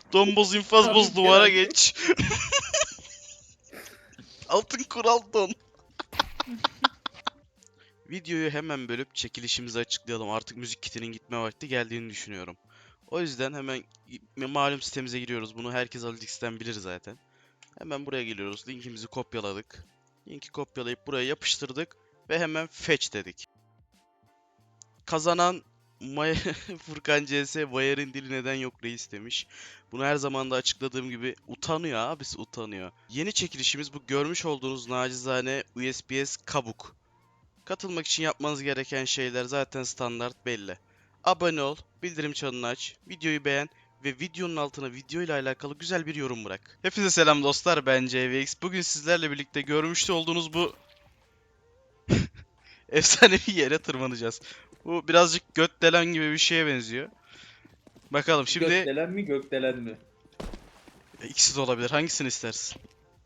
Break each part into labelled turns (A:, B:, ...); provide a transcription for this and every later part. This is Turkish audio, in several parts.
A: Domboz infaz boz
B: Abi,
A: duvara
B: Kerem.
A: geç. Altın kural don. Videoyu hemen bölüp çekilişimizi açıklayalım. Artık müzik kitinin gitme vakti geldiğini düşünüyorum. O yüzden hemen malum sitemize giriyoruz. Bunu herkes Alix'ten bilir zaten. Hemen buraya geliyoruz. Linkimizi kopyaladık. Linki kopyalayıp buraya yapıştırdık. Ve hemen fetch dedik. Kazanan Furkan CS Bayer'in dili neden yok reis demiş. Bunu her zaman da açıkladığım gibi utanıyor abisi, utanıyor. Yeni çekilişimiz bu görmüş olduğunuz nacizane USPS kabuk. Katılmak için yapmanız gereken şeyler zaten standart belli. Abone ol, bildirim çanını aç, videoyu beğen ve videonun altına video ile alakalı güzel bir yorum bırak. Hepinize selam dostlar, ben CVX. Bugün sizlerle birlikte görmüş olduğunuz bu efsanevi yere tırmanacağız. Bu birazcık gökdelen gibi bir şeye benziyor. Bakalım şimdi
B: Gökdelen mi gökdelen mi?
A: ikisi de olabilir. Hangisini istersin?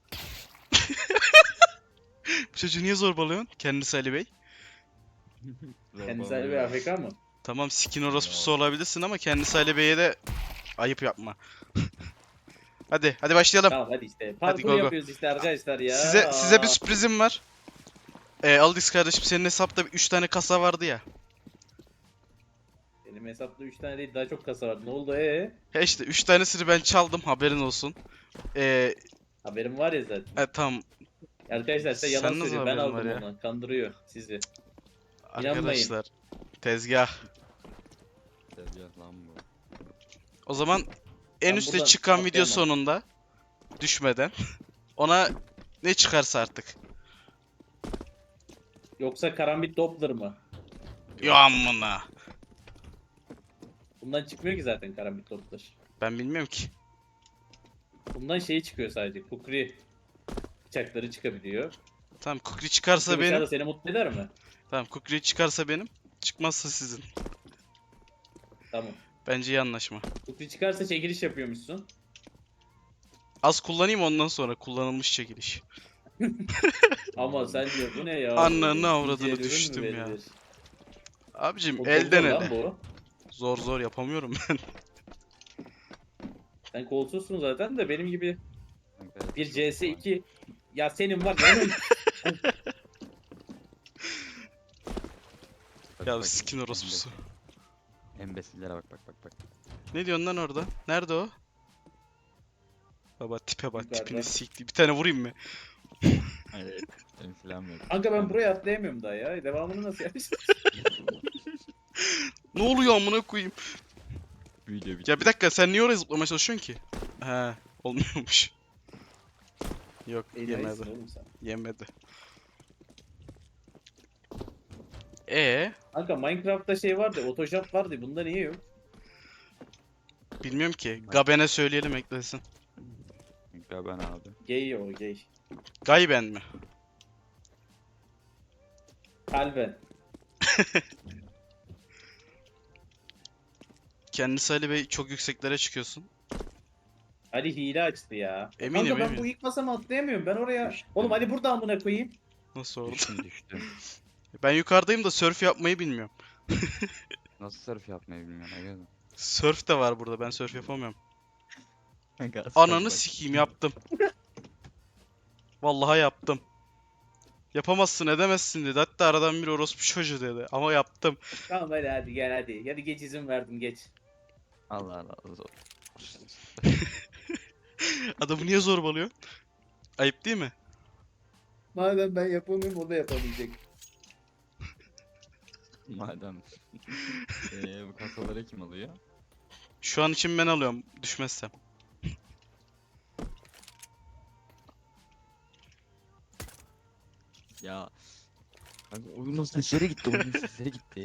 A: Bu çocuğu niye zorbalıyorsun? Kendisi Ali Bey.
B: Kendisi Ali Bey AFK mı?
A: Tamam, skin orospusu olabilirsin ama kendisi Ali Bey'e de ayıp yapma. Hadi başlayalım.
B: Tamam hadi işte.
A: Hadi
B: Parkur
A: go go.
B: yapıyoruz işte arkadaşlar ya.
A: Size bir sürprizim var. Aldix kardeşim, senin hesapta 3 tane kasa vardı ya.
B: Benim hesapta 3 tane değil daha çok kasa var. Ne oldu
A: He işte 3 tanesini ben çaldım, haberin olsun.
B: Haberim var ya zaten.
A: Tamam
B: Arkadaşlar size yalan
A: Sen nasıl
B: söylüyor. Ben
A: haberin var
B: aldım
A: ya?
B: onu. Kandırıyor sizi.
A: arkadaşlar. Tezgah.
C: Tezgah lan bu.
A: O zaman en
B: Ben
A: üste
B: buradan
A: çıkan video
B: atlayamam.
A: sonunda düşmeden ona ne çıkarsa artık.
B: Yoksa karambit Doppler mı?
A: Ya amına.
B: Bundan çıkmıyor ki zaten karambit Doppler.
A: Ben bilmiyorum ki.
B: Bundan şey çıkıyor sadece. Kukri bıçakları çıkabiliyor.
A: Tamam, kukri çıkarsa
B: Kukri bıçağı
A: benim.
B: da seni mutlu eder mi?
A: Tamam, kukri çıkarsa benim. Çıkmazsa sizin.
B: Tamam.
A: Bence iyi anlaşma.
B: Kukri çıkarsa çekiliş yapıyormuşsun.
A: Az kullanayım, ondan sonra kullanılmış çekiliş.
B: Ama sence bu ne ya?
A: Ananı
B: Böyle
A: avradını
B: ikinci el ürün mü
A: düştüm ya.
B: verilir?
A: Abicim
B: O çok
A: elden
B: zor lan
A: ele.
B: bu.
A: Zor yapamıyorum ben.
B: Sen kolsuzsun zaten de benim gibi
C: Kanka,
B: bir
C: çok
B: CS2 ya senin var ya.
C: bak,
A: Ya
C: bak,
A: skin orospusu.
C: Embesillere bak.
A: Ne diyorsun lan orada? Nerede o? Baba tipe bak,
B: Yukarıda.
A: tipini sikti. Bir tane vurayım mı?
C: Hayır. Benim silahım yok.
B: Kanka ben buraya atlayamıyorum daha ya. Devamını nasıl yapacağız?
A: Ne oluyor amına koyayım?
C: Video bitti.
A: Ya bir dakika, sen niye oraya zıplamaya çalışıyorsun ki? He, olmuyormuş. Yok,
B: Enayisin
A: yemedi.
B: oğlum sen.
A: Yemedi.
B: Kanka Minecraft'ta şey vardı, Photoshop vardı. Bunda niye yok?
A: Bilmiyorum ki. Gaben'e söyleyelim eklesin.
C: Kanka ben abi.
B: Gay o gay.
A: Gayben mi?
B: Kalben.
A: Kendisi Ali Bey, çok yükseklere çıkıyorsun.
B: Ali hile açtı ya.
A: Eminim,
B: Kanka ben
A: eminim.
B: bu ilk basamağı atlayamıyorum. Ben oraya...
C: Düştüm.
B: Oğlum Ali burada amına koyayım.
A: Nasıl oldu?
C: Düştüm.
A: Ben yukarıdayım da surf yapmayı bilmiyorum.
C: Nasıl surf yapmayı bilmiyorum. Aga.
A: Surf de var burada, ben surf yapamıyorum.
C: Kanka,
A: Ananı sikeyim, yaptım. Vallahi yaptım. Yapamazsın, edemezsin dedi. Hatta aradan bir orospu çocuğu dedi. Ama yaptım.
B: Tamam hadi gel hadi. Hadi geç izin verdim geç.
C: Allah zor.
A: Adamı niye zorbalıyor? Ayıp değil mi?
B: Madem ben yapamıyorum o da yapamayacak.
C: Madem. Bu kasaları kim alıyor?
A: Şu an için ben alıyorum, düşmezsem.
C: Ya. Kanka oyunun sesleri gitti. Oyunun sesleri gitti.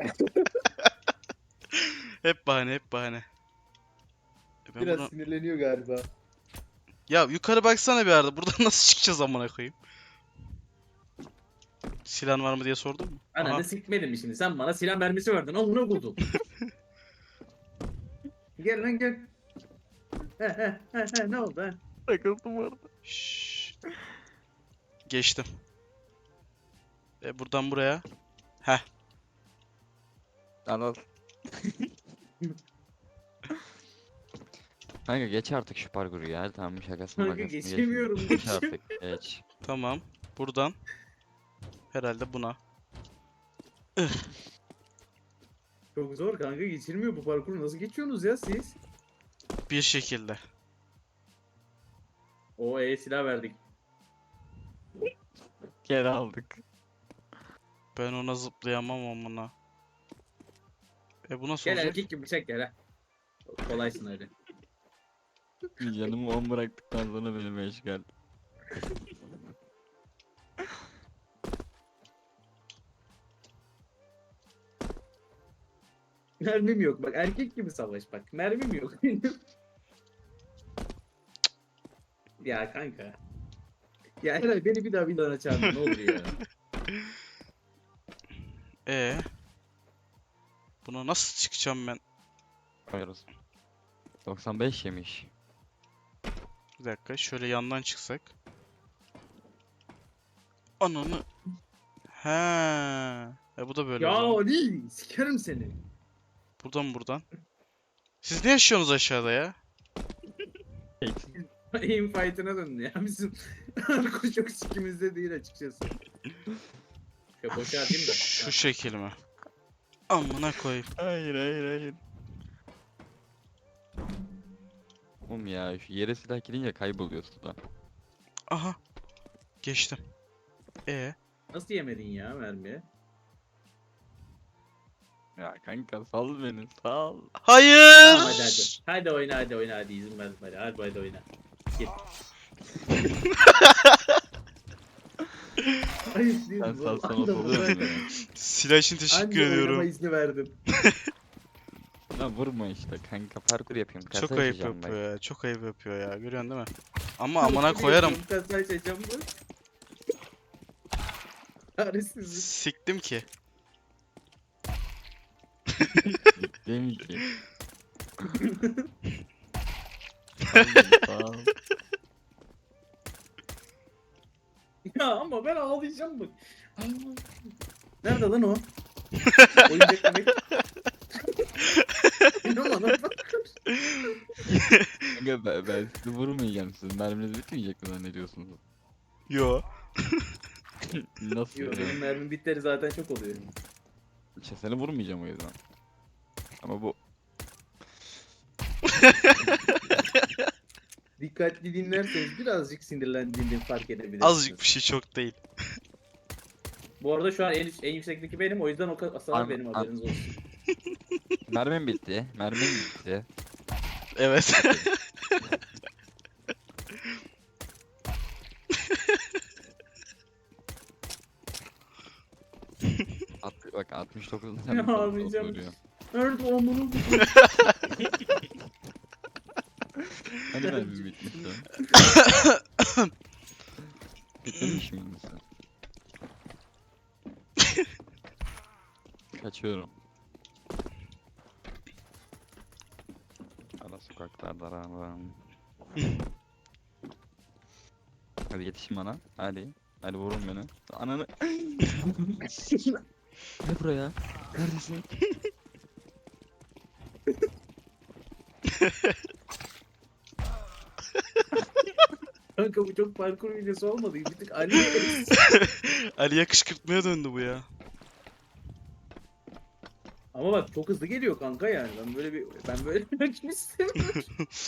A: Hep bahane, hep bahane. Ben
B: Biraz
A: bunu...
B: sinirleniyor galiba.
A: Ya yukarı baksana bir arada. Buradan nasıl çıkacağız amına koyayım? Silahın var mı diye sordun mu? Aha.
B: Ananı sikmedin mi şimdi? Sen bana silah mermisi verdin. Al bunu buldun. Gel lan gel. Ne oldu ha?
C: Takıldım orada.
A: Şşş. Geçtim. Buradan buraya. Heh.
C: Al. Kanka geç artık şu parkuru ya. Tamam şakasını
B: Kanka
C: makasını
B: geçemiyorum,
C: Geç
B: geçemiyorum.
C: artık geç.
A: Tamam. Buradan. Herhalde buna.
B: Çok zor kanka, geçilmiyor bu parkuru. Nasıl geçiyorsunuz ya siz?
A: Bir şekilde.
B: Silah verdik.
C: Geri aldık.
A: Ben ona zıplayamam amına. Bu nasıl
B: Gel
A: olacak?
B: erkek gibi bıçak gel ha. Kolaysın öyle.
C: Canımı 10 bıraktıktan sonra beni meşgal.
B: Mermim yok bak, erkek gibi savaş bak. Mermim yok. Ya kanka. Ya Eray beni bir daha vilana çağırma ne olur ya.
A: Buna nasıl çıkacağım ben?
C: Koyarız. 95 yemiş.
A: Bir dakika şöyle yandan çıksak. Ananı. He. Bu da böyle o
B: Ya
A: zaman.
B: Ali sikerim seni.
A: Buradan. Siz ne yaşıyorsunuz aşağıda ya?
B: Aim fight'ına döndü ya bizim. Arko çok sikimizde değil açıkçası. Ya boşa atayım da.
A: Şu şekil mi? Amına koyayım.
C: Hayır. Oğlum ya şu yere silah girince kayboluyor suda.
A: Aha. Geçtim.
B: Nasıl yemedin ya mermiye?
C: Ya kanka sal beni sal.
A: Hayır.
B: Tamam hadi. Hadi oyna hadi izin verdim hadi oyna. Git. Ayıp değil
C: Sen
B: mi?
C: salsan
B: Vallahi
C: oluyor mu ya?
A: Silah için teşekkür
B: Anca oynama
A: ediyorum.
B: izni verdim.
C: Lan vurma işte kanka parkur yapayım. Kasa
A: Çok ayıp
C: açacağım ben.
A: yapıyor ya. Çok ayıp yapıyor ya. Görüyorsun değil mi? Ama amına koyarım.
B: Kasa açacağım bu. Çaresizlik.
A: Siktim ki.
C: Değil ki. Sal beni, sal.
B: Ya ama ben ağlayacağım bak. Nerede lan o? Oyuncak demek. İnanma lan.
C: Kanka ben sizi vurmayacağım. Sizin merminiz bitmeyecek mi zannediyorsunuz?
A: Yo.
C: Nasıl
B: Yok
C: ya?
B: benim mermim bitleri zaten çok oluyor.
C: İşte seni vurmayacağım o yüzden. Ama bu
B: Dikkatli dinlerseniz birazcık sinirlendiğimi fark edebilirsiniz.
A: Azıcık bir şey çok değil.
B: Bu arada şu an en yüksekteki benim, o yüzden o hasar
C: An-
B: benim,
C: an-
B: haberiniz olsun.
C: mermim bitti. Mermim bitti.
A: Evet.
C: Bak 69'da
B: Ya,
C: sen bir kontrol
B: ağlayacağım.
C: oluyor.
B: Nerede o bunu?
C: Hani mermim bitmişti? Bitmemiş miydi sen? Kaçıyorum. Ara sokaklarda aramam. Hadi yetişin bana. Hadi. Hadi vurun beni. Ananı. Ne buraya? Neredesin?
B: Kanka bu çok parkur videosu olmadı. Bir tık Ali.
A: Ali'ye kışkırtmaya döndü bu ya.
B: Ama bak çok hızlı geliyor kanka yani. Ben böyle bir rakip istemiyorum.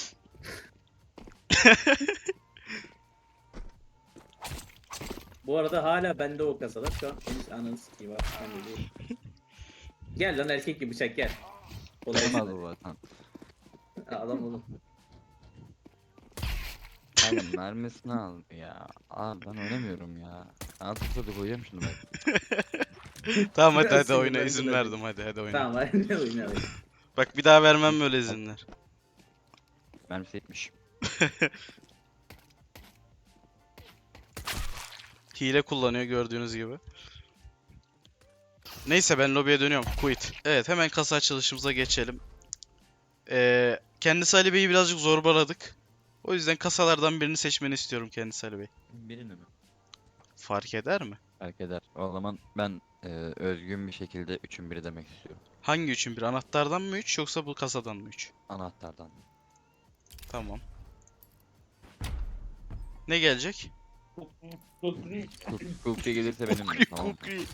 B: Bu arada hala bende o kasalar. Şu an henüz ananı sikeyim abi. Ben de değilim. Gel lan erkek gibi bıçak gel. Kolay
C: Olmaz
B: gelsin.
C: o zaten.
B: Adam oğlum.
C: Oğlum mermisini aldı ya. Abi ben oynamıyorum ya. Altı da koyacağım şunu ben.
A: Tamam hadi
B: Biraz
A: hadi oyna
B: sinirlendim
A: izin
B: hadi.
A: verdim hadi oyna.
B: Tamam hadi oyna hadi.
A: Bak bir daha vermem böyle izinler.
C: Mermisi yetmiş.
A: Hile kullanıyor gördüğünüz gibi. Neyse ben lobiye dönüyorum. Quit. Evet hemen kasa açılışımıza geçelim. Kendisi Ali Bey'i birazcık zorbaladık. O yüzden kasalardan birini seçmeni istiyorum kendisi Ali Bey.
C: Birini mi?
A: Fark eder mi?
C: Fark eder. O zaman ben özgün bir şekilde 3'ün biri demek istiyorum.
A: Hangi üçün bir? Anahtardan mı 3 yoksa bu kasadan mı 3?
C: Anahtardan.
A: Tamam. Ne gelecek?
C: Kukri gelirse benim
A: Kukri,
C: tamam.
A: kukri.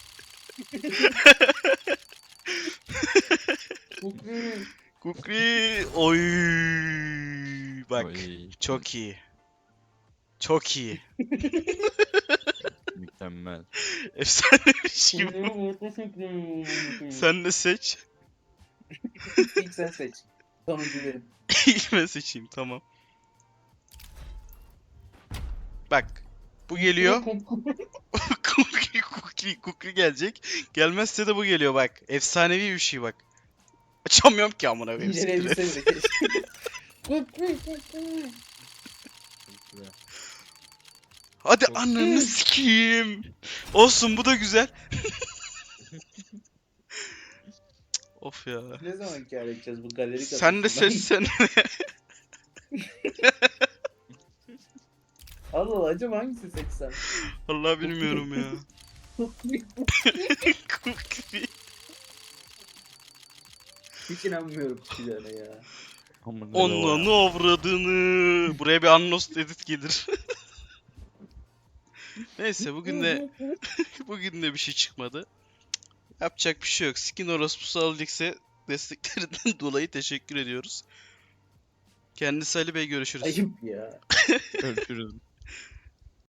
A: Kukri. Oy. Bak.
C: Oy,
A: Çok iyi. Çok iyi.
C: mükemmel.
A: Efsanemiş gibi. Sen de seç.
B: İlk sen seç. Sonuncu benim.
A: İlk ben seçeyim, tamam. Bak. Bu geliyor. Kukri gelecek. Gelmezse de bu geliyor bak. Efsanevi bir şey bak. Açamıyorum ki amına koyayım. siktir et.
B: İnceleyebilseniz de keşke.
A: Hadi ananı sikeyim. Olsun, bu da güzel. Of ya.
B: Ne zaman kâr edeceğiz bu galeri
A: Sen de
B: kasasından?
A: seç sen.
B: Allah Allah, acaba hangisini seçsem?
A: Vallahi bilmiyorum ya. Kukri.
B: Hiç inanmıyorum çıkacağına ya.
A: Onunla avradını. Buraya bir unlost edit gelir. Neyse bugün de bir şey çıkmadı. Yapacak bir şey yok. Skin orospusu alacaksa desteklerinden dolayı teşekkür ediyoruz. Kendisi Ali Bey, görüşürüz.
B: Ayıp ya.
C: Görüşürüz.